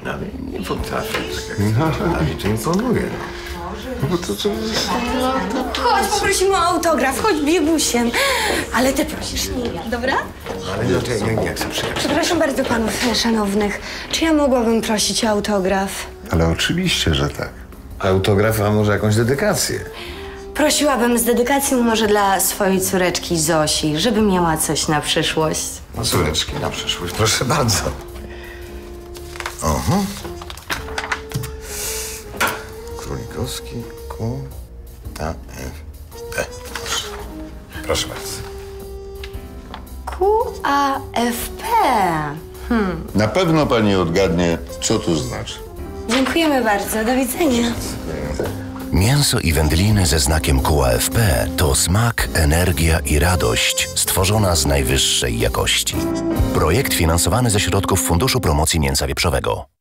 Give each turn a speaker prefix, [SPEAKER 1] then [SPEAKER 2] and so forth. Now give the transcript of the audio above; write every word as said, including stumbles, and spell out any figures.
[SPEAKER 1] No, ale nie potrafię tak jak a mi to imponuje. No bo to, to jest
[SPEAKER 2] Chodź, poprosimy o autograf, chodź biegusiem. Ale ty prosisz, nie ja, dobra?
[SPEAKER 1] ale no to ja nie, nie chcę przyjechać.
[SPEAKER 2] Przepraszam bardzo panów szanownych. Czy ja mogłabym prosić o autograf?
[SPEAKER 1] Ale oczywiście, że tak. Autograf, a może jakąś dedykację?
[SPEAKER 2] Prosiłabym z dedykacją może dla swojej córeczki Zosi, żeby miała coś na przyszłość.
[SPEAKER 1] No córeczki, na przyszłość, proszę bardzo. Oho. Królikowski, Q, A, F, P. Proszę. Proszę bardzo.
[SPEAKER 2] Q A F P. Hmm.
[SPEAKER 3] Na pewno pani odgadnie, co to znaczy.
[SPEAKER 2] Dziękujemy bardzo, do widzenia.
[SPEAKER 4] Mięso i wędliny ze znakiem Q A F P to smak, energia i radość stworzona z najwyższej jakości. Projekt finansowany ze środków Funduszu Promocji Mięsa Wieprzowego.